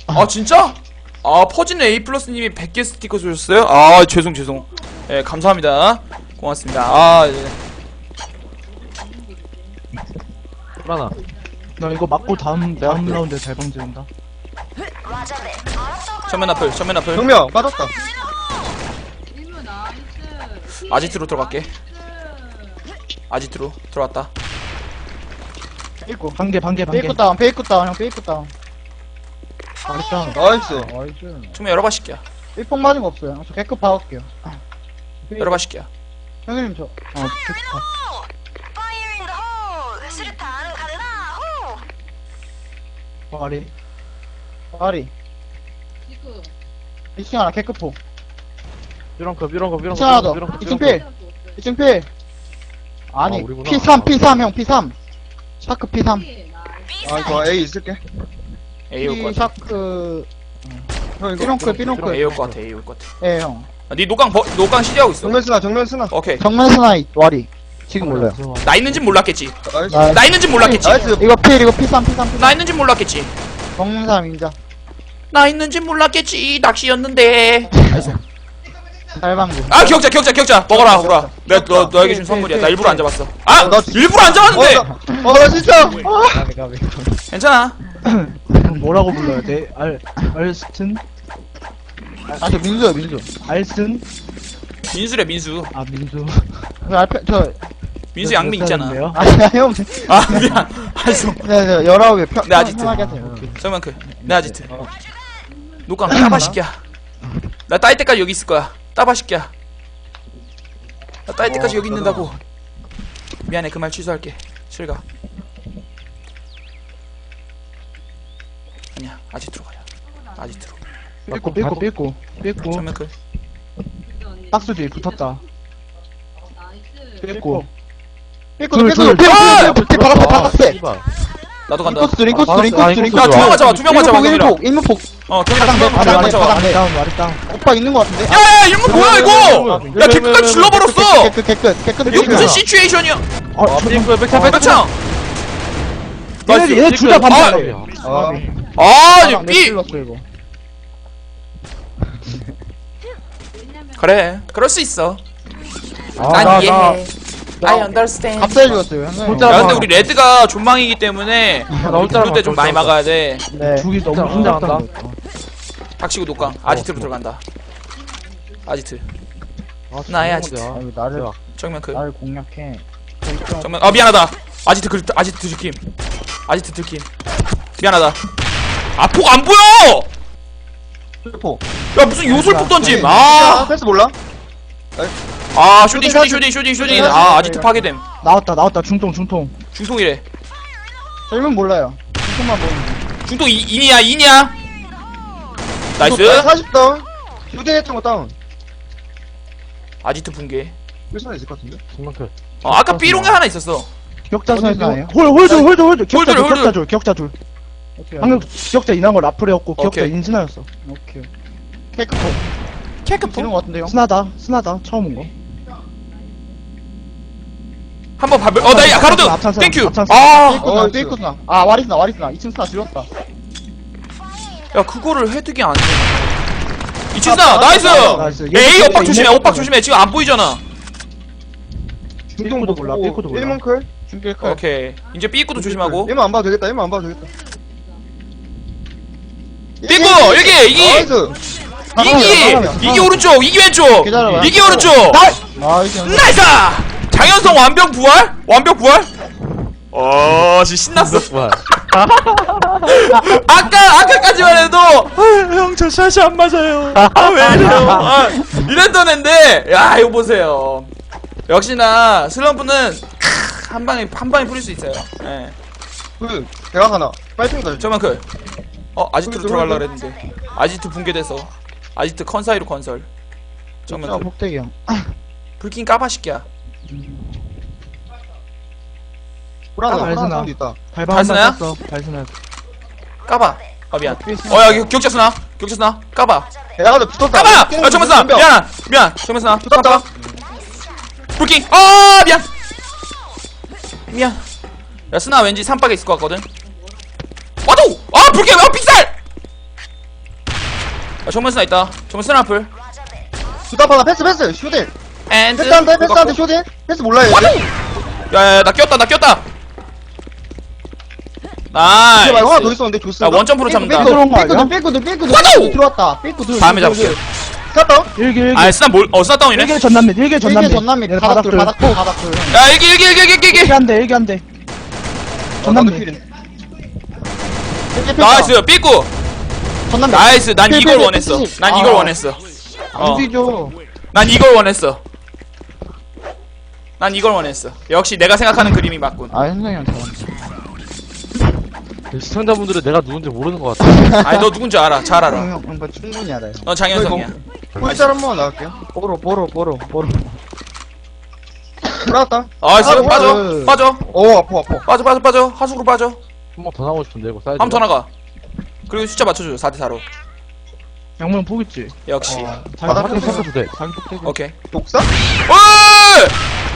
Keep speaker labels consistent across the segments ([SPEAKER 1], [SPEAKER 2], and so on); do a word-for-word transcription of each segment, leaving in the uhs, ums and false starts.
[SPEAKER 1] 아 진짜? 아 퍼진 A 플러스님이 백 개 스티커 주셨어요? 아 죄송 죄송. 예 감사합니다. 고맙습니다. 아 예.
[SPEAKER 2] 불안아.
[SPEAKER 3] 나 이거 맞고 다음 다음 라운드에 잘 방지한다.
[SPEAKER 1] 전면 앞을 전면 앞을.
[SPEAKER 4] 정명 빠졌다.
[SPEAKER 1] 아지트로 들어갈게. 아지트로 들어왔다.
[SPEAKER 3] 삐꾸 반개 반개 반개.
[SPEAKER 5] 페이크 다운 페이크 다운 형 페이크 다운
[SPEAKER 3] 잘했다.
[SPEAKER 4] 나이스.
[SPEAKER 3] 나이스.
[SPEAKER 1] 정면 열어봐 시키야.
[SPEAKER 5] 삐폭 맞은 거 없어요 저 개급 박을게요
[SPEAKER 1] 열어봐 시키야.
[SPEAKER 5] 형님 저 어,
[SPEAKER 3] 와리.
[SPEAKER 5] 아리 이 층 하나 개급폭
[SPEAKER 2] 이런 거 이런 거 이런
[SPEAKER 5] 이 층 하나
[SPEAKER 2] 거
[SPEAKER 5] 더
[SPEAKER 2] 이런 거
[SPEAKER 5] 이 층 필 이 층 필 아니
[SPEAKER 2] 아, 우리구나.
[SPEAKER 5] 피 삼 피 삼 형 피 삼 샤크 피 삼
[SPEAKER 4] 아 이거 A 있을게.
[SPEAKER 1] A 올 것
[SPEAKER 5] 피
[SPEAKER 1] 같아.
[SPEAKER 5] 샤크
[SPEAKER 4] 형 이거.
[SPEAKER 5] 삐롱클 삐롱클
[SPEAKER 1] A 올 것 같아. A 올 것 같아.
[SPEAKER 5] 예형
[SPEAKER 1] 아, 네 노강 버, 노강 시리하고 있어.
[SPEAKER 4] 정면 쓰나 정면 쓰나.
[SPEAKER 1] 오케이.
[SPEAKER 5] 정면 스나이 와리 지금 몰라요
[SPEAKER 1] 나 있는진 몰랐겠지.
[SPEAKER 4] 나이스.
[SPEAKER 5] 나
[SPEAKER 1] 나 있는진 몰랐겠지.
[SPEAKER 4] 나이스.
[SPEAKER 5] 이거 필 이거 피 삼 피 삼
[SPEAKER 1] 나 있는진 몰랐겠지.
[SPEAKER 5] 정면 삼 인자
[SPEAKER 1] 나 있는진 몰랐겠지. 낚시였는데.
[SPEAKER 5] 달방구
[SPEAKER 1] 아 기억자 기억자 기억자 먹어라 오라. 내가 너 너에게 준 선물이야. 나 일부러 안 잡았어. 아
[SPEAKER 4] 어, 나
[SPEAKER 1] 일부러 안 잡았는데.
[SPEAKER 4] 어나 진짜.
[SPEAKER 3] 가비 가비.
[SPEAKER 1] 괜찮아.
[SPEAKER 3] 뭐라고 불러야 돼? 알 알스튼
[SPEAKER 5] 아저 민수요 민수
[SPEAKER 3] 알슨
[SPEAKER 1] 민수래 민수.
[SPEAKER 3] 아 민수.
[SPEAKER 5] 그 앞에 저
[SPEAKER 1] 민수 양미 있잖아.
[SPEAKER 5] 아니야 형
[SPEAKER 1] 아 미안. 알았어.
[SPEAKER 5] 네, 네, 열아홉에 편,
[SPEAKER 1] 네, 아지트.
[SPEAKER 5] 편하게 하세요.
[SPEAKER 1] 정면 그. 내 아지트. 노강 따바 시키야. 나 따일 때까지 여기 있을 거야. 따바 시키야. 나 따일 때까지 여기 있는다고. 미안해 그 말 취소할게. 실가. 아니야 아지트로 가자. 아지트로.
[SPEAKER 3] 삐꾸 삐꾸 삐꾸 삐꾸.
[SPEAKER 1] 정면 그.
[SPEAKER 3] 박스 뒤에 붙었다. 삐꾸.
[SPEAKER 5] 삐꾸,
[SPEAKER 3] 둘,
[SPEAKER 5] 삐꾸,
[SPEAKER 3] 둘,
[SPEAKER 5] 삐꾸,
[SPEAKER 1] 둘.
[SPEAKER 5] 삐꾸, 삐꾸, 바깥에, 바깥에.
[SPEAKER 2] 씨발.
[SPEAKER 1] 나도 간다.
[SPEAKER 5] 인코스, 인코스,
[SPEAKER 2] 아,
[SPEAKER 5] 인코스,
[SPEAKER 2] 아,
[SPEAKER 5] 인코스.
[SPEAKER 1] 야, 두 명만 잡아, 두 명만 잡아,
[SPEAKER 5] 일목,
[SPEAKER 1] 경이랑.
[SPEAKER 5] 일목, 일목.
[SPEAKER 1] 어, 경이랑
[SPEAKER 5] 바닥
[SPEAKER 1] 두
[SPEAKER 5] 내,
[SPEAKER 1] 명만
[SPEAKER 5] 바닥
[SPEAKER 1] 잡아.
[SPEAKER 5] 내, 바닥 내.
[SPEAKER 3] 다운 말이 다운.
[SPEAKER 5] 오빠 있는 거 같은데?
[SPEAKER 1] 야, 야, 이거 뭐야, 이거! 야, 개끝까지 질러버렸어!
[SPEAKER 5] 개끝, 개끝, 개끝,
[SPEAKER 1] 이거 무슨 시츄에이션이야?
[SPEAKER 3] 아,
[SPEAKER 2] 아, 삐꾸야 백차 백차.
[SPEAKER 1] 백창!
[SPEAKER 3] 얘네 얘네 둘다 반대.
[SPEAKER 4] 아
[SPEAKER 1] 아,
[SPEAKER 5] 바닥 내
[SPEAKER 1] 삐!
[SPEAKER 5] 찔렀어, 이거.
[SPEAKER 1] 그래, 그럴 수 있어.
[SPEAKER 3] 아,
[SPEAKER 1] 난
[SPEAKER 3] 나,
[SPEAKER 1] 이해해. I understand.
[SPEAKER 5] 갑자기 죽었어요, 형님.
[SPEAKER 3] 혼자
[SPEAKER 1] 야, 근데 우리 레드가 존망이기 때문에
[SPEAKER 2] 나 혼자
[SPEAKER 1] 그럴 때 좀 많이 막아야 돼.
[SPEAKER 5] 네.
[SPEAKER 3] 죽이 너무
[SPEAKER 2] 진짜
[SPEAKER 3] 긴장한다.
[SPEAKER 2] 혼자
[SPEAKER 1] 닥치고 녹강. 아지트로 들어간다. 아지트. 나의 아지트.
[SPEAKER 5] 아, 이거 나를,
[SPEAKER 1] 정면 그.
[SPEAKER 5] 나를 공략해.
[SPEAKER 1] 정면. 아, 미안하다. 아지트 그, 아지트 들킴. 아지트 들킴. 미안하다. 아, 폭 안 보여!
[SPEAKER 4] 포.
[SPEAKER 1] 야, 무슨 요술폭 던짐.
[SPEAKER 4] 아
[SPEAKER 1] 아,
[SPEAKER 4] 패스 몰라?
[SPEAKER 1] 아, 쇼딩, 쇼딩, 쇼딩, 쇼딩, 쇼딩. 아, 아지트 파괴됨.
[SPEAKER 3] 나왔다 나왔다 중통 중통.
[SPEAKER 1] 중통이래.
[SPEAKER 5] 젊은 몰라요. 조금만 보면.
[SPEAKER 1] 중통 이, 인이야, 인이야. 나이스.
[SPEAKER 4] 사십 다운. 휴대 했던 거 다운.
[SPEAKER 1] 아지트 붕괴.
[SPEAKER 4] 일선에 있을 것 같은데.
[SPEAKER 2] 정말 그.
[SPEAKER 1] 어, 아까 B롱에 하나 있었어.
[SPEAKER 3] 격자
[SPEAKER 5] 어디
[SPEAKER 3] 선에서
[SPEAKER 5] 나와요?
[SPEAKER 3] 홀 홀드 홀드 홀드 격자
[SPEAKER 1] 홀드,
[SPEAKER 3] 둘
[SPEAKER 1] 홀드.
[SPEAKER 3] 격자 둘 격자 둘.
[SPEAKER 5] 오케이,
[SPEAKER 3] 방금 기억자 인한 거 라플이었고 기억자
[SPEAKER 1] 오케이.
[SPEAKER 3] 인스나였어.
[SPEAKER 5] 오케이. 케이크폭.
[SPEAKER 1] 캐크폭.
[SPEAKER 5] 이런 거 같은데요?
[SPEAKER 3] 스나다 스나다 처음 온 거.
[SPEAKER 1] 한번 밟을. 어, 나이 가로등.
[SPEAKER 3] 앞찬스,
[SPEAKER 1] 땡큐.
[SPEAKER 3] 앞찬스.
[SPEAKER 1] 아,
[SPEAKER 5] 삐꾸스나,
[SPEAKER 4] 어,
[SPEAKER 5] 삐꾸스나. 아, 와리스나, 와리스나. 이 층 스나 줄였다.
[SPEAKER 1] 야, 그거를 헤드기 안 돼. 이친스나, 나이스.
[SPEAKER 3] 나이스.
[SPEAKER 1] 에이, 오빡
[SPEAKER 3] 얘
[SPEAKER 1] 조심해,
[SPEAKER 3] 얘
[SPEAKER 1] 오빡 조심해. 지금 안 보이잖아.
[SPEAKER 3] 중통도 몰라 삐꾸도 몰라.
[SPEAKER 4] 일문 클.
[SPEAKER 5] 준비할까요?
[SPEAKER 1] 오케이. 이제 B 입구도 조심하고.
[SPEAKER 4] 일문 안 봐도 되겠다. 일문 안 봐도 되겠다.
[SPEAKER 1] B 입구, 여기, 이기.
[SPEAKER 4] 나이스.
[SPEAKER 1] 이기, 이기 오른쪽, 이기 왼쪽.
[SPEAKER 5] 기다려봐.
[SPEAKER 1] 이기 오른쪽.
[SPEAKER 5] 아, 이게
[SPEAKER 1] 나이스! 장현성 완벽 부활? 완벽 부활? 어, 씨 신났어.
[SPEAKER 2] 와.
[SPEAKER 1] 아까 아까까지만 해도 형 저 샷이 안 맞아요. 아 왜 이래요? 아, 이랬던 앤데 야 이거 보세요. 역시나 슬럼프는 크, 한 방에 한 방에 뿌릴 수 있어요. 예.
[SPEAKER 4] 그 대각 하나. 빨리 가.
[SPEAKER 1] 저만 그. 어 아지트로
[SPEAKER 4] 그,
[SPEAKER 1] 들어가려
[SPEAKER 4] 들어가야
[SPEAKER 1] 그랬는데 아지트 붕괴돼서 아지트 컨사이로 건설. 정면
[SPEAKER 5] 아,
[SPEAKER 1] 그.
[SPEAKER 5] 폭대기 형.
[SPEAKER 1] 불킨 까바시키야.
[SPEAKER 4] 불안하.
[SPEAKER 3] 발스나.
[SPEAKER 4] 불안한 사운드 있다.
[SPEAKER 3] 발방
[SPEAKER 1] 발스나야?
[SPEAKER 3] 한번 썼어. 발스나.
[SPEAKER 1] 까봐. 아 미안. 어야 격자 쓰나? 격자 쓰나? 까봐.
[SPEAKER 4] 야 근데 붙었다.
[SPEAKER 1] 까봐! 야, 정면 쓰나! 미안! 미안! 정면 쓰나!
[SPEAKER 4] 붙었다.
[SPEAKER 1] 불킹! 아 미안! 미안. 야, 스나 왠지 삼박에 있을 것 같거든? 와도! 아, 불킹! 아, 픽살! 야, 정면 스나 있다. 정면 스나 앞을.
[SPEAKER 4] 수답 하나 패스 패스 쇼딘
[SPEAKER 1] 앤드.
[SPEAKER 4] 패스한테 패스한테 쇼딘 패스 몰라요 얘.
[SPEAKER 1] 야야야 나 꼈다 나 꼈다.
[SPEAKER 4] 이제 말고 하나 더
[SPEAKER 1] 나이스.
[SPEAKER 4] 있었는데 조스
[SPEAKER 1] 야 원점프로 잡는다.
[SPEAKER 5] 들어온 거
[SPEAKER 3] 삐꾸들
[SPEAKER 5] 아니야?
[SPEAKER 3] 삐꾸들 삐꾸들
[SPEAKER 1] 와도!
[SPEAKER 3] 삐꾸들 들어왔다 삐꾸들
[SPEAKER 1] 다음에 잡을게.
[SPEAKER 4] 샀다
[SPEAKER 3] 일기 일기
[SPEAKER 1] 아 스나 몰어 스나 다운이네.
[SPEAKER 3] 일기 전남매 일기
[SPEAKER 5] 일개
[SPEAKER 3] 전남매
[SPEAKER 5] 전남이
[SPEAKER 3] 얘네
[SPEAKER 5] 바닥들
[SPEAKER 3] 바닥들.
[SPEAKER 5] 바닥들 바닥들
[SPEAKER 1] 야 일기 일기 일기 일기 일기.
[SPEAKER 3] 일기 한대 일기 한대 전남매
[SPEAKER 1] 나이스 삐꾸.
[SPEAKER 5] 전남매
[SPEAKER 1] 나이스 난
[SPEAKER 5] 필,
[SPEAKER 1] 이걸
[SPEAKER 5] 필,
[SPEAKER 1] 원했어.
[SPEAKER 5] 필.
[SPEAKER 1] 난
[SPEAKER 5] 아.
[SPEAKER 1] 이걸 원했어. 어.
[SPEAKER 5] 안 뒤져
[SPEAKER 1] 난 이걸 원했어. 난 이걸 원했어. 역시 내가 생각하는 그림이 맞군.
[SPEAKER 5] 아 현성이 형 잘한다
[SPEAKER 2] 시청자분들은 내가 누군지 모르는 것 같아.
[SPEAKER 1] 아니 너 누군지 알아. 잘 알아.
[SPEAKER 5] 형, 형, 이거 충분히 알아요
[SPEAKER 1] 넌 장현성이야.
[SPEAKER 4] 꿀짤 한번 나갈게요
[SPEAKER 5] 보로 보로 보로 보로
[SPEAKER 4] 올라갔다
[SPEAKER 1] 나이스
[SPEAKER 4] 아,
[SPEAKER 1] 빠져
[SPEAKER 5] 뭐야.
[SPEAKER 1] 빠져
[SPEAKER 4] 어 아파 아파
[SPEAKER 1] 빠져 빠져 빠져 하수구로 빠져.
[SPEAKER 2] 한 번 더 나오고 싶은데 이거 사이즈.
[SPEAKER 1] 한 번 더 나가. 그리고 숫자 맞춰줘. 사 대 사로.
[SPEAKER 3] 양문 보겠지
[SPEAKER 1] 역시.
[SPEAKER 3] 어,
[SPEAKER 2] 바닥
[SPEAKER 3] 자기
[SPEAKER 2] 좀 섞어도 돼.
[SPEAKER 3] 자기 폭대기
[SPEAKER 1] 오케이.
[SPEAKER 4] 독사?
[SPEAKER 1] 어이!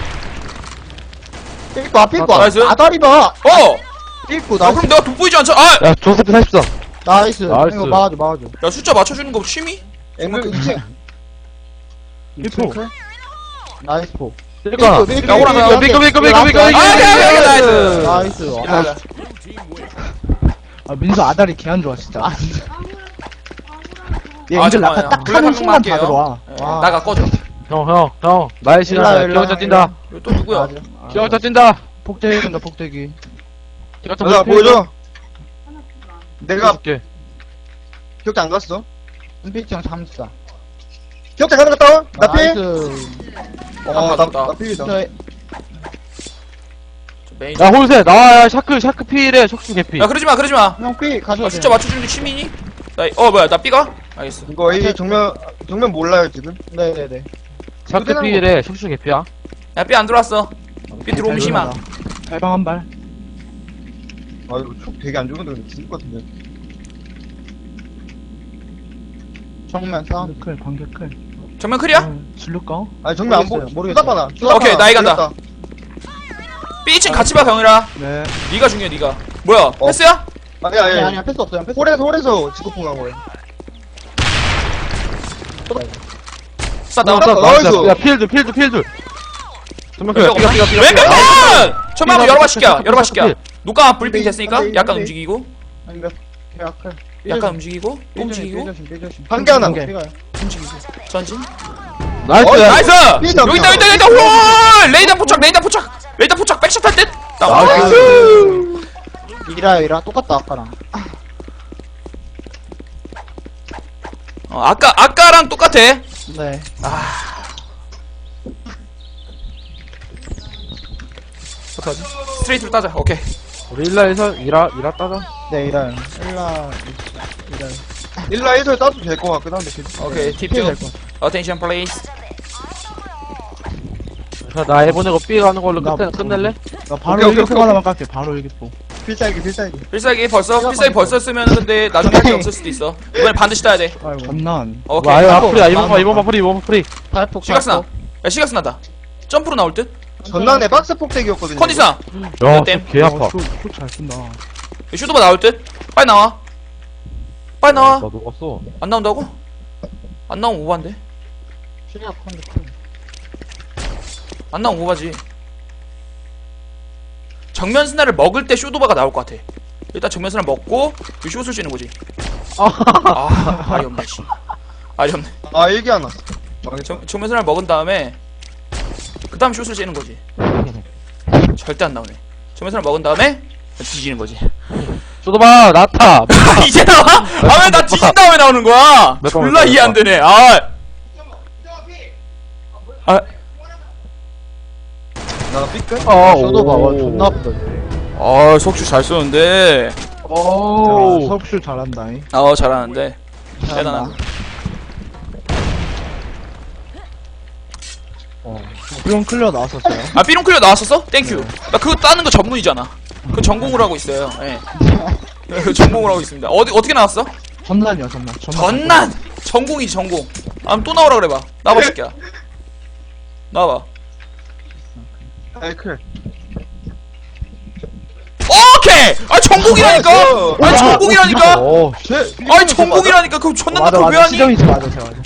[SPEAKER 5] 삐꾸 아 삐꾸
[SPEAKER 1] 나이스.
[SPEAKER 5] 아다리 봐
[SPEAKER 1] 어!
[SPEAKER 5] 삐꾸
[SPEAKER 1] 아
[SPEAKER 5] 나이스
[SPEAKER 1] 그럼 내가 돋보이지 않죠? 아!
[SPEAKER 2] 야 조세프 사십삼.
[SPEAKER 5] 나이스
[SPEAKER 2] 나이스.
[SPEAKER 5] 이거 막아줘 막아줘
[SPEAKER 1] 야 숫자 맞춰주는 거 취미?
[SPEAKER 4] 앵글 이 층
[SPEAKER 3] 삐꾸
[SPEAKER 5] 나이스 포
[SPEAKER 2] 삐까.
[SPEAKER 5] 삐꾸,
[SPEAKER 1] 야, 오라가.
[SPEAKER 2] 삐까 삐까 삐까 삐까.
[SPEAKER 1] 아, 오케이, 오케이, 나이스.
[SPEAKER 5] 나이스
[SPEAKER 1] 야,
[SPEAKER 3] 아 민수 아다리 개 안 좋아 진짜 얘
[SPEAKER 1] 아,
[SPEAKER 3] 이제
[SPEAKER 1] 잠깐만요.
[SPEAKER 3] 낙하 딱
[SPEAKER 1] 블랙
[SPEAKER 3] 하는
[SPEAKER 1] 한
[SPEAKER 3] 순간
[SPEAKER 1] 번만
[SPEAKER 3] 다 들어와
[SPEAKER 1] 할게요. 예,
[SPEAKER 5] 와.
[SPEAKER 1] 나가 꺼져.
[SPEAKER 2] 형 형 형. 나의
[SPEAKER 5] 일로 와,
[SPEAKER 2] 시간.
[SPEAKER 5] 일로 와,
[SPEAKER 2] 기억자 뛴다.
[SPEAKER 1] 이거 또 누구야?
[SPEAKER 5] 맞아
[SPEAKER 2] 기억자 뛴다.
[SPEAKER 3] 폭대기 된다 폭대기
[SPEAKER 2] 기억자
[SPEAKER 4] 야 보여줘 내가
[SPEAKER 2] 줄게.
[SPEAKER 4] 기억자 안 갔어
[SPEAKER 5] 은빛이 형 잠수다
[SPEAKER 4] 기억자 가는 갔다 와 나피
[SPEAKER 5] 나이스
[SPEAKER 1] 가져다.
[SPEAKER 4] 어나 필이다
[SPEAKER 5] 저
[SPEAKER 1] 메인.
[SPEAKER 2] 야 홀세 나와. 야 샤크 샤크 필에 척수 개피.
[SPEAKER 1] 야 그러지 마 그러지 마.
[SPEAKER 5] 형 삐 가져와
[SPEAKER 1] 나 숫자 맞춰주는 게 취미니? 나, 어 뭐야 나 B가? 알겠어.
[SPEAKER 4] 이거 A 정면 정면 몰라요 지금
[SPEAKER 5] 네네네
[SPEAKER 2] 샤크 필에 척수 개피야.
[SPEAKER 1] 야 B 안 들어왔어. B 들어오면 희망.
[SPEAKER 3] 달방 한발
[SPEAKER 4] 아 이거 촉 되게 안 좋은데 근데 죽을 것 같은데
[SPEAKER 5] 정면 싸움
[SPEAKER 3] 클 반개 클
[SPEAKER 1] 정면 클이야?
[SPEAKER 3] 어, 질를까?
[SPEAKER 4] 아니 정면 안
[SPEAKER 5] 모르겠어요,
[SPEAKER 4] 보고
[SPEAKER 5] 모르겠어요.
[SPEAKER 4] 수답 하나
[SPEAKER 1] 오케이, 나이 간다. B 층 같이 봐 경이라.
[SPEAKER 3] 네
[SPEAKER 1] 네가 중요해 네가. 뭐야 패스야?
[SPEAKER 4] 아니 아니
[SPEAKER 5] 아니
[SPEAKER 4] 아니
[SPEAKER 5] 아니야 패스 없어요 패스
[SPEAKER 4] 홀에서 홀에서 지구풍 간 거예요
[SPEAKER 1] 쏴 나와.
[SPEAKER 4] 나- 나이스.
[SPEAKER 2] 야 필드 필드 필드. 정말
[SPEAKER 1] 왼벽
[SPEAKER 2] 삐까 삐까 삐까.
[SPEAKER 1] 왼벽 컷! 처음에 한번 여러 번 시켜 여러 번 시켜.
[SPEAKER 2] 필.
[SPEAKER 1] 누가 브리핑 됐으니까
[SPEAKER 5] 네,
[SPEAKER 1] 약간
[SPEAKER 5] 네.
[SPEAKER 1] 움직이고
[SPEAKER 5] 아니 몇 계약할
[SPEAKER 1] 약간 움직이고 또 움직이고
[SPEAKER 5] 삐조심 삐조심
[SPEAKER 4] 한 개 하나
[SPEAKER 3] 한 개.
[SPEAKER 5] 삐가요
[SPEAKER 1] 움직이고 전진.
[SPEAKER 2] 나이스.
[SPEAKER 4] 어,
[SPEAKER 1] 나이스!
[SPEAKER 4] 삐져,
[SPEAKER 1] 여기 있다 여기 있다 여기 있다. 홀! 레이더 포착 레이더 포착 레이더 포착 백샷 할 듯. 나이스!
[SPEAKER 5] 이라요 이라 똑같다 아까랑
[SPEAKER 1] 어, 아까 아까랑 똑같아.
[SPEAKER 5] 네
[SPEAKER 1] 어떡하지? 스트레이트로 따자. 오케이.
[SPEAKER 2] 우리 일라에서 일하 일하 따자.
[SPEAKER 5] 네 이라요 일라 이라요
[SPEAKER 4] 일라 일설 따도 될 것 같긴 한데 계속.
[SPEAKER 1] 오케이.
[SPEAKER 5] 피해
[SPEAKER 1] 팁
[SPEAKER 5] 될것
[SPEAKER 1] 좀. 어텐션 플레이스.
[SPEAKER 2] 자, 나 해보내고 B 가는 걸로
[SPEAKER 3] 나-
[SPEAKER 2] 끝내, 끝낼래?
[SPEAKER 3] 나 바로
[SPEAKER 4] 오케이, 오케이,
[SPEAKER 3] 일기포
[SPEAKER 4] 오케이.
[SPEAKER 3] 하나만 깎게 바로 일기포
[SPEAKER 4] 필살기 필살기
[SPEAKER 1] 필살기 벌써 필살기 벌써 쓰면 근데 나중에 할 게 없을 수도 있어. 이번엔 반드시 따야 돼.
[SPEAKER 3] 아이고 장난
[SPEAKER 1] 오케이.
[SPEAKER 2] 와, 이거
[SPEAKER 5] 하고,
[SPEAKER 2] 앞프리야. 이번
[SPEAKER 5] 나도
[SPEAKER 2] 봐, 이번 봐, 프리, 이번 봐, 프리.
[SPEAKER 5] 탈폭
[SPEAKER 1] 시각스나. 야 시각스나다. 점프로 나올 듯.
[SPEAKER 4] 전난에 박스 폭대기였거든요
[SPEAKER 1] 컨디스나.
[SPEAKER 2] 야,
[SPEAKER 1] 땜.
[SPEAKER 2] 개 아파.
[SPEAKER 3] 잘 쓴다
[SPEAKER 1] 슈도바 나올 듯. 빨리 나와. 빨리 나와.
[SPEAKER 2] 나 녹았어.
[SPEAKER 1] 안 나온다고? 안 나오면 오바인데.
[SPEAKER 5] 실력 컨디션
[SPEAKER 1] 안 나오면 오바지. 정면 스나를 먹을 때 쇼도바가 나올 것 같아. 일단 정면 스나 먹고 그 숏을 쏘는 거지. 아, 말이 없네. 씨. 말이 없네.
[SPEAKER 4] 아 일기 하나
[SPEAKER 1] 정, 정면 스나를 먹은 다음에 그 다음 숏을 쏘는 거지. 절대 안 나오네. 정면 스나를 먹은 다음에 뒤지는 거지.
[SPEAKER 2] 쏘도봐, 나타.
[SPEAKER 1] 아, 이제 나와? 아, 왜 나 뒤진 다음에 나오는 거야?
[SPEAKER 2] 몇 번,
[SPEAKER 1] 졸라
[SPEAKER 2] 몇 번,
[SPEAKER 1] 이해 안 되네. 아. 아,
[SPEAKER 4] 나 삐끗
[SPEAKER 2] 어,
[SPEAKER 5] 쇼도 봐와 존나 아프다
[SPEAKER 1] 아, 석주 잘 쏘는데.
[SPEAKER 3] 오 석슈 잘한다
[SPEAKER 1] 아, 잘하는데. 대단하다.
[SPEAKER 3] 이건 클리어 나왔었어요
[SPEAKER 1] 아, 삐롱 클리어 나왔었어? 땡큐. 나 그거 따는 거 전문이잖아. 그 전공으로 하고 있어요. 예. 그 전공으로 하고 있습니다. 어디, 어떻게 나왔어?
[SPEAKER 3] 전난이야 전난
[SPEAKER 1] 전난! 전공이지, 전공. 아, 또 나오라 그래봐. 나와봐, 새끼야. 나와봐.
[SPEAKER 4] 아이클
[SPEAKER 1] 오케이! 아 전공이라니까. 아니 전공이라니까.
[SPEAKER 2] 어,
[SPEAKER 4] 쟤
[SPEAKER 1] 아니 전공이라니까. 그럼 존나
[SPEAKER 3] 맞아
[SPEAKER 1] 나쁜 왜
[SPEAKER 3] 맞아
[SPEAKER 1] 하니?
[SPEAKER 3] 시정이지 맞아 쟤 맞아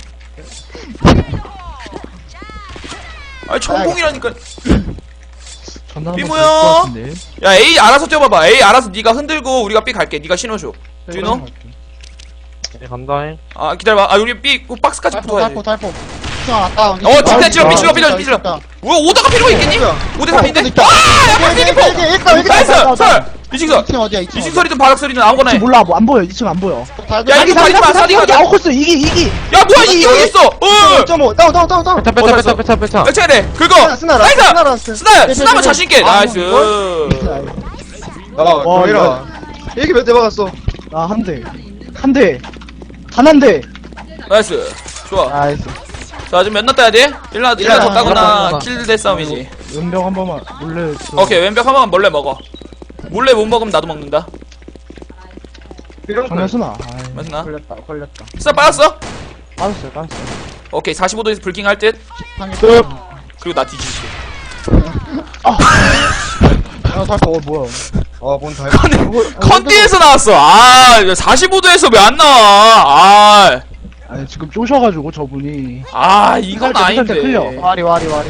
[SPEAKER 1] 아니 전공이라니까.
[SPEAKER 3] 전화 한번
[SPEAKER 1] 삐모야.
[SPEAKER 3] 걸것 같은데.
[SPEAKER 1] 야 A 알아서 뛰어봐봐. A 알아서 네가 흔들고 우리가 B 갈게. 네가 신호줘. 주인호?
[SPEAKER 2] 네, 간다잉.
[SPEAKER 1] 아 기다려봐. 아 우리 B 그 박스까지
[SPEAKER 5] 탈포
[SPEAKER 1] 붙어야지.
[SPEAKER 5] 탈포 탈포 수정아 다운
[SPEAKER 1] 어 뒷대 찔러
[SPEAKER 3] 아,
[SPEAKER 1] B 찔러 B 찔러 B 찔러. 왜 오다가 필요가 있겠니? 오 대 삼인데? 아! 약간 세기포! 나이스! 설! 이층설!
[SPEAKER 5] 이층 어디야 이층
[SPEAKER 1] 이층 소리든 바닥 소리든 아무거나 해.
[SPEAKER 3] 몰라 뭐 안 보여 이 층 안 보여
[SPEAKER 1] 야,
[SPEAKER 5] 야
[SPEAKER 1] 이거 사리지 마, 사리지 마.
[SPEAKER 3] 아웃코스 이기 이기
[SPEAKER 1] 야 뭐야 이게 여기 있어! 어!
[SPEAKER 4] 일 점 오 다운 다운 다운 다운
[SPEAKER 2] 빼차, 빼차, 빼차, 빼차, 빼차.
[SPEAKER 1] 몇 차례 돼? 긁어!
[SPEAKER 4] 스나
[SPEAKER 1] 나이스!
[SPEAKER 4] 스나 라스트
[SPEAKER 1] 스나! 스나만 자신있게!
[SPEAKER 5] 아,
[SPEAKER 1] 나이스!
[SPEAKER 4] 아 정해라 얘기 몇 대 박았어
[SPEAKER 3] 아한대한대한대
[SPEAKER 1] 나이스! 좋아.
[SPEAKER 5] 나이스
[SPEAKER 1] 자 지금 몇 나 따야 돼? 일 나, 일 나 더 따거나 킬대 싸움이지.
[SPEAKER 3] 은병 한 번만 몰래
[SPEAKER 1] 오케이 왼벽 한 번만 몰래 먹어. 몰래 못 먹으면 나도 먹는다.
[SPEAKER 4] 이런
[SPEAKER 3] 정면 쓰나
[SPEAKER 1] 맞나?
[SPEAKER 5] 걸렸다 걸렸다
[SPEAKER 1] 스나 빠졌어?
[SPEAKER 3] 빠졌어요 빠졌어요
[SPEAKER 1] 오케이 사십오 도에서 불킹 할 듯.
[SPEAKER 5] 끝
[SPEAKER 1] 그리고 나 뒤질게.
[SPEAKER 5] 야 탈포 어 뭐야
[SPEAKER 4] 아뭔 다
[SPEAKER 1] 컨디에서 나왔어. 아 사십오 도에서 왜 안 나와? 아,
[SPEAKER 3] 아니 지금 쪼셔가지고 저분이
[SPEAKER 1] 아 이건
[SPEAKER 3] 때, 때 클리어.
[SPEAKER 1] 아닌데.
[SPEAKER 5] 와리 와리 와리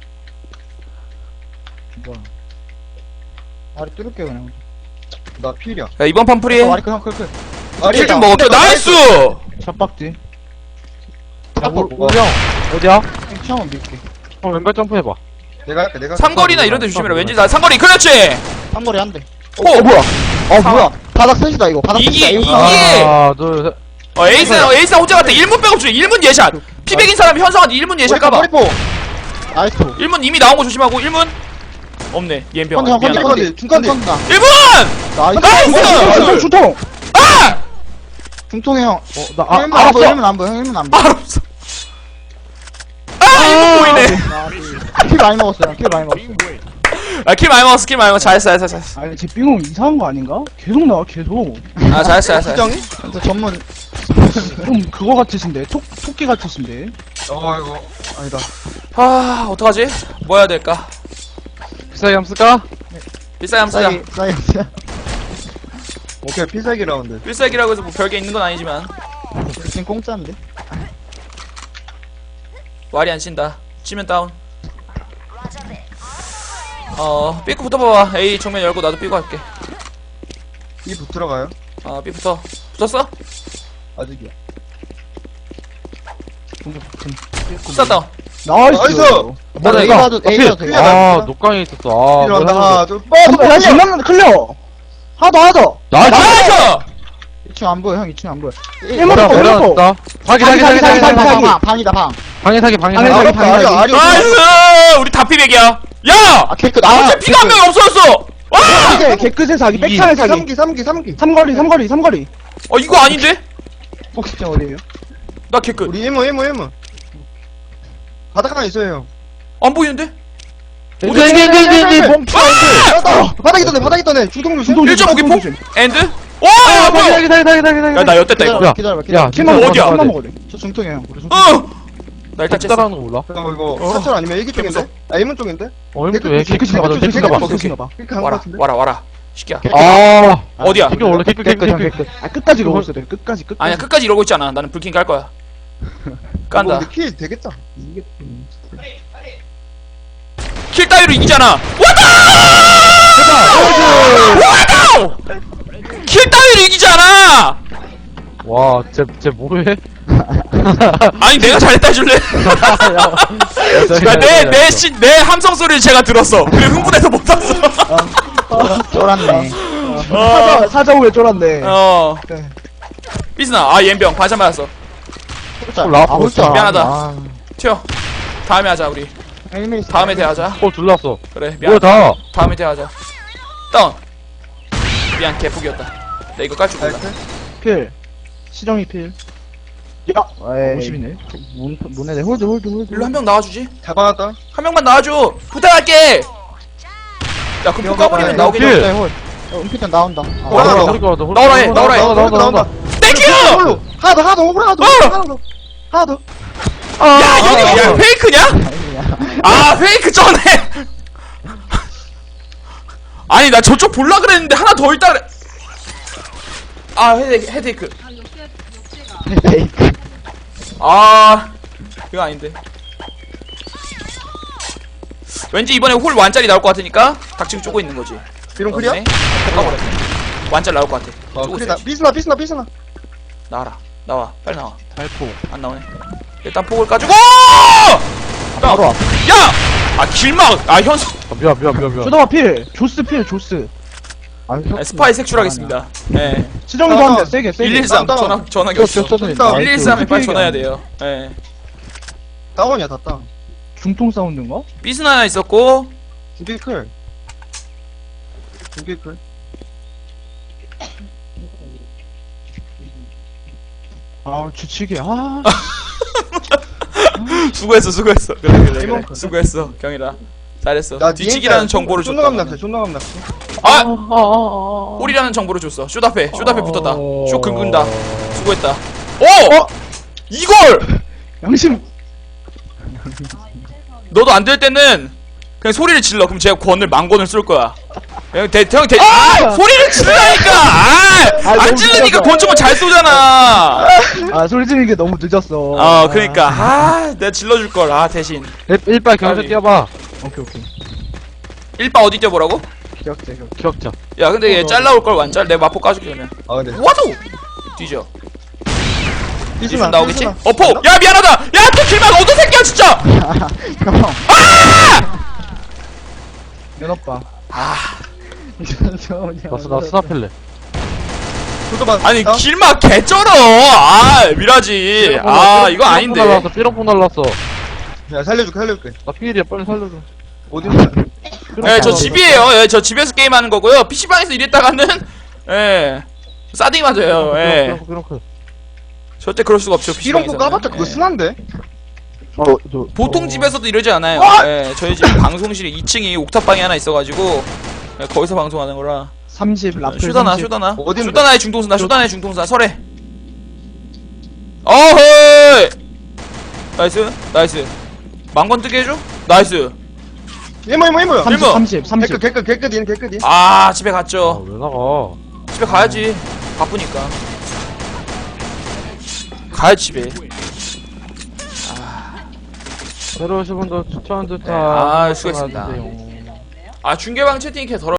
[SPEAKER 5] 뭐야 와리 뚫을게 그냥
[SPEAKER 4] 나 필이야
[SPEAKER 1] 야 이번 판 프리.
[SPEAKER 5] 와리 그냥 클클
[SPEAKER 1] 킬 좀 먹어. 나이스.
[SPEAKER 3] 샷박지
[SPEAKER 2] 야, 올, 올령. 어디야?
[SPEAKER 5] 이층 한번 밀게
[SPEAKER 2] 어, 왼발 점프해봐.
[SPEAKER 4] 내가 할게 내가 할게.
[SPEAKER 1] 삼거리나 이런 데 조심해라. 왠지 나 삼거리. 그렇지.
[SPEAKER 5] 삼거리 한대
[SPEAKER 1] 오 뭐야?
[SPEAKER 5] 어 뭐야 바닥 셋이다 이거 바닥
[SPEAKER 1] 이기,
[SPEAKER 5] 셋이다
[SPEAKER 1] 이기.
[SPEAKER 5] 이거
[SPEAKER 2] 하나, 둘, 셋.
[SPEAKER 1] 어 에이스나 에이스나 혼자 갔다. 일 문 백업 중에 일 문 예샷. 피백인 사람이 현성한테 일 문 예샷 까봐.
[SPEAKER 5] 머리포 나이스
[SPEAKER 1] 일 문 이미 나온 거 조심하고. 일 문 없네. 얘병.
[SPEAKER 5] 컨디 형 컨디
[SPEAKER 1] 미안해.
[SPEAKER 5] 컨디
[SPEAKER 4] 중컨디.
[SPEAKER 5] 중컨디다
[SPEAKER 1] 일 문.
[SPEAKER 5] 나이스
[SPEAKER 1] 나이스!
[SPEAKER 3] 중통
[SPEAKER 1] 아!
[SPEAKER 5] 중통이 형
[SPEAKER 3] 어나
[SPEAKER 5] 형 일문 안 보여 일문 안 보여 형 일문 안 보여
[SPEAKER 1] 아 없어. 아 이거 보이네.
[SPEAKER 5] 킬 많이 먹었어요 킬 많이 먹었어
[SPEAKER 1] 아 킬 많이 먹었어. 킬 많이 먹었어. 잘했어 잘했어 잘했어.
[SPEAKER 3] 아니 제 삥은 이상한 거 아닌가? 계속 나와 계속
[SPEAKER 1] 아 잘했어 잘했어.
[SPEAKER 4] 수정이?
[SPEAKER 5] 진짜 전문
[SPEAKER 3] 좀 그거 같으신데 토, 토끼 같으신데
[SPEAKER 4] 어 이거 아니다
[SPEAKER 1] 아 어떡하지? 뭐 해야 될까?
[SPEAKER 2] 비싸게 한번 쓸까?
[SPEAKER 1] 필살기 한번 쓰자.
[SPEAKER 5] 사이 사이
[SPEAKER 4] 오케이 필살기 라운드
[SPEAKER 1] 필살기라고 해서 뭐 별게 있는 건 아니지만
[SPEAKER 5] 지금 공짜인데
[SPEAKER 1] 말이 안 쉰다. 치면 다운. 어 삐꾸 붙어봐봐. A 정면 열고 나도 삐고 할게.
[SPEAKER 4] 이 붙들어가요
[SPEAKER 1] 어 삐 붙어. 붙었어?
[SPEAKER 4] 아직이야
[SPEAKER 1] 쏴 다운.
[SPEAKER 3] 나이스
[SPEAKER 4] 나이스!
[SPEAKER 2] 뭐야,
[SPEAKER 5] A
[SPEAKER 2] 이거?
[SPEAKER 5] 봐도 A 봐도 돼
[SPEAKER 2] 아, 녹강에 있었어. 아,
[SPEAKER 4] 필요한다
[SPEAKER 2] 뭐야,
[SPEAKER 4] 하나 둘
[SPEAKER 3] 야 장난 클리어 하나 더 하나 더
[SPEAKER 2] 나이스!
[SPEAKER 1] 나이스!
[SPEAKER 5] 이층 안 보여 형 이층 안 보여
[SPEAKER 3] 일문
[SPEAKER 2] 뭐야,
[SPEAKER 3] 더 일문 더
[SPEAKER 2] 내려놨다. 사기, 사기, 사기, 사기, 사기, 사기.
[SPEAKER 5] 방 방이다 방
[SPEAKER 2] 방해 사기, 방해
[SPEAKER 3] 방해
[SPEAKER 2] 사기.
[SPEAKER 3] 사기.
[SPEAKER 4] 아리 아리
[SPEAKER 1] 나이스! 우리 다 피백이야. 야!
[SPEAKER 5] 아 케이크
[SPEAKER 1] 아,
[SPEAKER 5] 나
[SPEAKER 1] 어째 피가 한 명이 없어졌어! 와!
[SPEAKER 3] 이게 개끝의 사기
[SPEAKER 2] 이.
[SPEAKER 3] 백창의 사기
[SPEAKER 4] 삼기 삼기 삼기
[SPEAKER 3] 삼거리 삼거리 삼거리
[SPEAKER 1] 어 이거 아닌데?
[SPEAKER 3] 혹시 어디에요?
[SPEAKER 1] 나 개끝.
[SPEAKER 4] 우리 일문 일문 일문 바닥 하나 있어요
[SPEAKER 1] 안 보이는데?
[SPEAKER 2] 이제, 이제, 이제, 이제, 이제, 몸.
[SPEAKER 1] 아!
[SPEAKER 4] 바닥 있던데 바닥 있던데 중통 조심
[SPEAKER 3] 중통
[SPEAKER 1] 일 점 오 기 폭? 엔드? 와!
[SPEAKER 2] 아,
[SPEAKER 1] 뭐야?
[SPEAKER 2] 사기, 사기, 사기, 사기, 사기.
[SPEAKER 1] 야, 나 엿됐다, 이거.
[SPEAKER 2] 야,
[SPEAKER 5] 기다려봐
[SPEAKER 2] 야,
[SPEAKER 5] 기다려봐
[SPEAKER 3] 킬만
[SPEAKER 1] 뭐
[SPEAKER 3] 먹어
[SPEAKER 1] 어디야?
[SPEAKER 3] 킬만 먹어래
[SPEAKER 5] 저 중통이에요 우리 중통
[SPEAKER 1] 어! 나 일단 쨌어.
[SPEAKER 2] 따라하는 거 몰라?
[SPEAKER 4] 잠깐만 이거 사철 아니면 일기 쪽인데? 아 일문 쪽인데?
[SPEAKER 2] 어, 이거 왜
[SPEAKER 3] 개끝이
[SPEAKER 2] 개끝이
[SPEAKER 3] 나가
[SPEAKER 2] 나가?
[SPEAKER 3] 개끝이
[SPEAKER 2] 개끝이
[SPEAKER 3] 나가
[SPEAKER 2] 나가?
[SPEAKER 3] 개끝이 나가
[SPEAKER 4] 이렇게 한거
[SPEAKER 1] 와라,
[SPEAKER 4] 같은데?
[SPEAKER 1] 와라, 와라. 시키야.
[SPEAKER 2] 아,
[SPEAKER 1] 어디야?
[SPEAKER 2] 개끝 원래 개끝, 개끝, 개끝.
[SPEAKER 3] 아 끝까지 이러고 있어야 돼 끝까지 끝까지
[SPEAKER 1] 아니야, 끝까지 이러고 있지 않아. 나는 불킹 깔 거야. 깐다.
[SPEAKER 4] 어, 근데 킬 되겠다 이게
[SPEAKER 1] 킬 따위로 이기잖아. 왔다! 왔다! 킬 따위로 이기잖아!
[SPEAKER 2] 와, 쟤, 쟤 뭐해?
[SPEAKER 1] 아니, 내가 잘했다 해줄래? 야, 내, 내, 시, 내 함성 소리를 제가 들었어. 그리고 흥분해서 못 탔어.
[SPEAKER 5] 쫄았네
[SPEAKER 3] 사자 사자 후에 쫄았네
[SPEAKER 1] 어. 삐스나, 아, 옌병. 반샷 맞았어.
[SPEAKER 2] 라프
[SPEAKER 5] 아 홀짜
[SPEAKER 1] 미안하다.
[SPEAKER 5] 아,
[SPEAKER 1] 튀어. 다음에 하자, 우리.
[SPEAKER 5] 헬멧 있어.
[SPEAKER 1] 다음에 대하자.
[SPEAKER 2] 어, 둘렀어.
[SPEAKER 1] 그래,
[SPEAKER 2] 뭐야,
[SPEAKER 1] 미안.
[SPEAKER 2] 다.
[SPEAKER 1] 다음에 대하자. 다운. 미안, 개폭이었다. 나 이거 깔 줄 몰라.
[SPEAKER 3] 필 시정이 필 야!
[SPEAKER 5] 에이.
[SPEAKER 3] 오십이네
[SPEAKER 5] 문 문에 홀드 홀드 홀드
[SPEAKER 1] 일로 한 명 나와주지?
[SPEAKER 4] 잡아놨다
[SPEAKER 1] 한 명만 나와줘. 부탁할게. 야, 그럼 폭 까버리면 나오겠지?
[SPEAKER 2] 필.
[SPEAKER 5] 네, 홀 어, 은피탄 나온다 아,
[SPEAKER 2] 어,
[SPEAKER 4] 나와,
[SPEAKER 2] 우리 거, 우리
[SPEAKER 1] 나오라 해,
[SPEAKER 2] 거,
[SPEAKER 1] 나오라 해.
[SPEAKER 2] 나온다, 나온다, 나온다.
[SPEAKER 1] 땡큐!
[SPEAKER 4] 홀로 하나 더 하나 더 하나 더
[SPEAKER 1] 어!
[SPEAKER 4] 하나 더 하나 더
[SPEAKER 1] 야, 여기, 야, 페이크냐?
[SPEAKER 5] 아니야
[SPEAKER 1] 아, 페이크 전에! 아니 나 저쪽 볼라 그랬는데 하나 더 있다 그래. 아 헤드 헤드에이크.
[SPEAKER 5] 페이크.
[SPEAKER 1] 아 이거 아닌데. 왠지 이번에 홀 완짜리 나올 것 같으니까 닥치고 쪼고 있는 거지.
[SPEAKER 4] 비룡 클리어?
[SPEAKER 1] 네. 꺾어버렸네. 완짜리 나올 것 같아.
[SPEAKER 4] 어
[SPEAKER 1] 쪼고
[SPEAKER 4] 클리다
[SPEAKER 1] 있어.
[SPEAKER 4] 삐스나 삐스나 삐스나
[SPEAKER 1] 나와라. 나와. 빨리 나와.
[SPEAKER 2] 달포.
[SPEAKER 1] 안 나오네. 일단 폭을 까주고.
[SPEAKER 5] 바로 앞.
[SPEAKER 1] 야! 아 길막. 아 현수.
[SPEAKER 2] 아, 미안, 미안, 미안, 미안.
[SPEAKER 3] 쇼다마 필! 조스 필, 조스.
[SPEAKER 5] 아,
[SPEAKER 1] 아, 스파이 색출하겠습니다. 예.
[SPEAKER 3] 치정이도 한대, 세게, 세게.
[SPEAKER 1] 일일삼
[SPEAKER 4] 다운,
[SPEAKER 1] 전화
[SPEAKER 4] 다운.
[SPEAKER 1] 전화기
[SPEAKER 5] 저,
[SPEAKER 1] 없어.
[SPEAKER 5] 저, 저,
[SPEAKER 4] 다운.
[SPEAKER 1] 일일삼에 빨리
[SPEAKER 3] 그
[SPEAKER 1] 전화해야 돼요. 예.
[SPEAKER 4] 다운이야 다 다운
[SPEAKER 3] 중통 사운드인가?
[SPEAKER 1] 삐스 하나 있었고
[SPEAKER 4] 두개 클 두개 클
[SPEAKER 3] 아, 주치기, 아.
[SPEAKER 1] 수고했어 수고했어. 그래 그래 그래.
[SPEAKER 4] 이만큼.
[SPEAKER 1] 수고했어 경이라. 잘했어.
[SPEAKER 4] 나
[SPEAKER 1] 뒤치기라는 정보를 줬다.
[SPEAKER 4] 존나감 낚시 존나감 낚시
[SPEAKER 1] 아!
[SPEAKER 3] 아, 아, 아.
[SPEAKER 1] 홀이라는 정보를 줬어. 쇼다페 쇼다페 붙었다.
[SPEAKER 3] 어.
[SPEAKER 1] 쇼 긁는다. 수고했다. 오! 이걸!
[SPEAKER 3] 양심.
[SPEAKER 1] 너도 안 될 때는 그냥 소리를 질러. 그럼 제가 권을 만권을 쏠 거야. 그냥 대, 형, 대, 아! 소리를 지르라니까! 아! 안
[SPEAKER 3] 너무
[SPEAKER 1] 찌르니까
[SPEAKER 3] 늦었어.
[SPEAKER 1] 권총을 잘 쏘잖아!
[SPEAKER 3] 아, 소리 지르는 게 너무 늦었어.
[SPEAKER 1] 어, 그니까. 아, 내가 질러줄걸. 아, 대신.
[SPEAKER 2] 일, 일발 경찰
[SPEAKER 1] 빨리.
[SPEAKER 2] 뛰어봐.
[SPEAKER 3] 오케이, 오케이.
[SPEAKER 1] 일바 어디 뛰어보라고?
[SPEAKER 3] 기억제, 기억.
[SPEAKER 2] 기억자.
[SPEAKER 1] 야, 근데 얘 잘라올걸, 완짤. 내가 마포 까줄게, 그러면.
[SPEAKER 4] 아 근데
[SPEAKER 1] 와도! 뒤져.
[SPEAKER 4] 삐스나
[SPEAKER 1] 뒤져 나오겠지?
[SPEAKER 4] 삐스나.
[SPEAKER 1] 어, 폭! 야, 미안하다! 야, 또 길막 어떤 새끼야, 진짜!
[SPEAKER 5] 형.
[SPEAKER 3] 면 오빠.
[SPEAKER 1] 아,
[SPEAKER 2] 나, 스- 나 스나펠레.
[SPEAKER 4] 쇼도바
[SPEAKER 1] 아니,
[SPEAKER 4] 다운?
[SPEAKER 1] 길막 개쩔어! 아, 미라지. 아, 이거 아닌데.
[SPEAKER 2] 날랐어, 삐롱뽕 날랐어.
[SPEAKER 4] 야 살려줄게 살려줄게
[SPEAKER 2] 나 피일이야, 빨리 살려줘.
[SPEAKER 4] 어딘데
[SPEAKER 1] 예, 저 집이에요. 예, 저 집에서 게임하는 거고요. 피시방에서 이랬다가는, 예, 싸딩 맞아요. 예.
[SPEAKER 2] 삐롱, 삐롱, 삐롱.
[SPEAKER 1] 절대 그럴 수가 없죠,
[SPEAKER 4] 비룡
[SPEAKER 1] 피시방에서.
[SPEAKER 4] 거 까봤자 그거 순한데
[SPEAKER 5] 어, 저.
[SPEAKER 1] 보통 집에서도 이러지 않아요. 예, 저희 집 방송실에 이 층이 옥탑방이 하나 있어가지고, 예, 거기서 방송하는 거라.
[SPEAKER 3] 삼십, 라플.
[SPEAKER 1] 쇼다나,
[SPEAKER 3] 삼십.
[SPEAKER 1] 쇼다나.
[SPEAKER 4] 어딘데?
[SPEAKER 1] 쇼다나의 중동수나, 쇼다나의 중동수나, 설해. 어허이! 나이스, 나이스. 망건 뜨게 해줘? 나이스.
[SPEAKER 4] 이모 이모 이모야
[SPEAKER 3] 삼십,
[SPEAKER 1] 일번.
[SPEAKER 3] 삼십, 삼십.
[SPEAKER 4] 개끝 개끝 개끝인 개끝인
[SPEAKER 1] 아, 집에
[SPEAKER 2] 아,
[SPEAKER 1] 갔죠.
[SPEAKER 2] 왜 나가?
[SPEAKER 1] 집에 가야지. 바쁘니까. 가야지, 집에.
[SPEAKER 2] 새로 오신 분들 추천 듯한.
[SPEAKER 1] 아, 수고했습니다. 아, 중계방 채팅이 이렇게 더러